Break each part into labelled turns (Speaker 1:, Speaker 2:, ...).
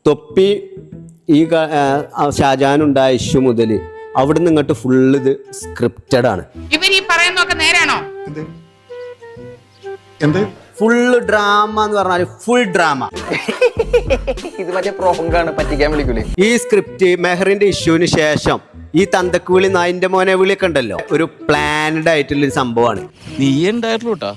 Speaker 1: തൊപ്പി ഈ ഷാജഹാനുണ്ടായ ഇഷ്യൂ മുതൽ അവിടുന്ന് ഇങ്ങോട്ട് ഫുള്ള് ഇത് സ്ക്രിപ്റ്റഡ് ആണ്.
Speaker 2: ഇവർ ഈ പറയുന്നതൊക്കെ നേരാണോ?
Speaker 1: ഫുള്ള് ഡ്രാമ എന്ന് പറഞ്ഞാൽ ഫുൾ ഡ്രാമ.
Speaker 3: ഇത് മറ്റേ പ്രോങ്കാണ്, പറ്റിക്കാൻ വിളിക്കൂലേ.
Speaker 1: ഈ സ്ക്രിപ്റ്റ് മെഹറിന്റെ ഇഷ്യൂവിന് ശേഷം ഈ തന്തക്ക് വിളി നായിന്റെ മോനെ വിളിയൊക്കെ ഉണ്ടല്ലോ, ഒരു പ്ലാൻഡ് ആയിട്ടുള്ളൊരു സംഭവമാണ്.
Speaker 4: നീ ഉണ്ടായിട്ടുള്ളൂട്ടാ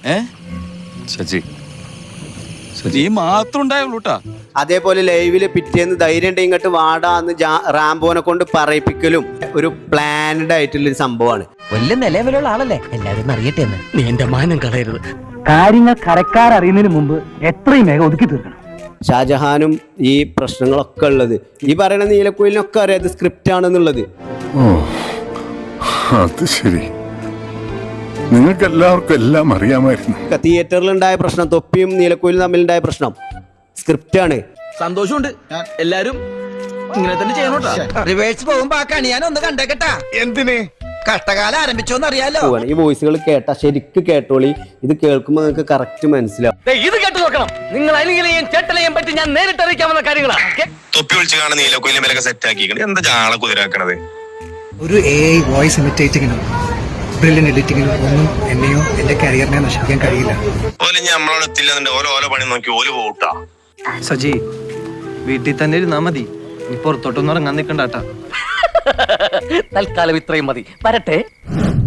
Speaker 4: നീ മാത്രം ഉണ്ടായുള്ളൂട്ടാ.
Speaker 1: അതേപോലെ ലൈവില് പിറ്റേന്ന് ധൈര്യം ഉണ്ടെങ്കിൽ ഇങ്ങോട്ട് വാടാന്ന് റാംബോനെ കൊണ്ട് പറയിപ്പിക്കലും ഒരു പ്ലാൻഡ് ആയിട്ടുള്ളൊരു സംഭവമാണ്.
Speaker 5: വലിയ നിലവിലുള്ള ആളല്ലേ, എല്ലാരും അറിയട്ടെ എന്ന്.
Speaker 6: നീ എന്റെ മാനം കളയരുത്.
Speaker 7: കാര്യങ്ങൾ കരക്കാരറിയുന്നതിന് മുമ്പ് എത്രയും വേഗം ഒതുക്കി തീർക്കണം.
Speaker 1: ഷാജഹാനും ഈ പ്രശ്നങ്ങളൊക്കെ ഉള്ളത് ഈ പറയുന്ന നീലക്കുയിലിനൊക്കെ അറിയാം ഇത് സ്ക്രിപ്റ്റ് ആണെന്നുള്ളത്.
Speaker 8: അത് ശരി, നിങ്ങൾക്ക് എല്ലാവർക്കും എല്ലാം അറിയാമായിരുന്നു.
Speaker 1: തിയേറ്ററിൽ ഉണ്ടായ പ്രശ്നം, തൊപ്പിയും നീലക്കുയിലും തമ്മിലുണ്ടായ പ്രശ്നം സ്ക്രിപ്റ്റ് ആണ്.
Speaker 6: സന്തോഷമുണ്ട്, എല്ലാരും ഇങ്ങനെ തന്നെ ചെയ്യണോട്ടാ.
Speaker 5: റിവേഴ്സ് പോകുമ്പോ ആ കണി ഞാൻ ഒന്ന് കണ്ടേക്കട്ടാ.
Speaker 8: എന്തിന്?
Speaker 5: കഷ്ടകാലം ആരംഭിച്ചോന്ന് അറിയാലോ.
Speaker 1: ഈ വോയിസുകൾ കേട്ടാ ശരിക്ക് കേട്ടോളി. ഇത് കേൾക്കുമ്പോൾ നിങ്ങൾക്ക് കറക്റ്റ് മനസ്സിലാവും.
Speaker 6: ഇത് കേട്ട് നോക്കണം നിങ്ങൾ. അനിലെയും ചേട്ടനെയും പറ്റി ഞാൻ നേരിട്ട് അറിയിക്കാവുന്ന കാര്യങ്ങളാണ്.
Speaker 9: തൊപ്പി വിളിച്ച് കാണാൻ നീലക്കുയിലും വിലക്കെ സെറ്റ് ആക്കിക്കണേ. എന്താ ജാള കുതിരാക്കണത്?
Speaker 7: ഒരു AI വോയിസ് ഇമിറ്റേറ്റിങ്ങിനും ബ്രില്യൻ എഡിറ്റിങ്ങിനും ഒന്നും എന്നെയോ എന്റെ കരിയറിനെ നശിപ്പിക്കാൻ കഴിയില്ല.
Speaker 9: ഓല് ഇനി നമ്മളോട് എത്തില്ലെന്നുണ്ട് ഓരോ പണി നോക്കി ഓല് പോട്ടാ.
Speaker 3: സജി, വീട്ടിൽ തന്നെ ഇരുന്നാ മതി, നീ പുറത്തോട്ടൊന്നും ഇറങ്ങാൻ നിൽക്കണ്ടാട്ടാ.
Speaker 6: തൽക്കാലം ഇത്രയും മതി. വരട്ടെ.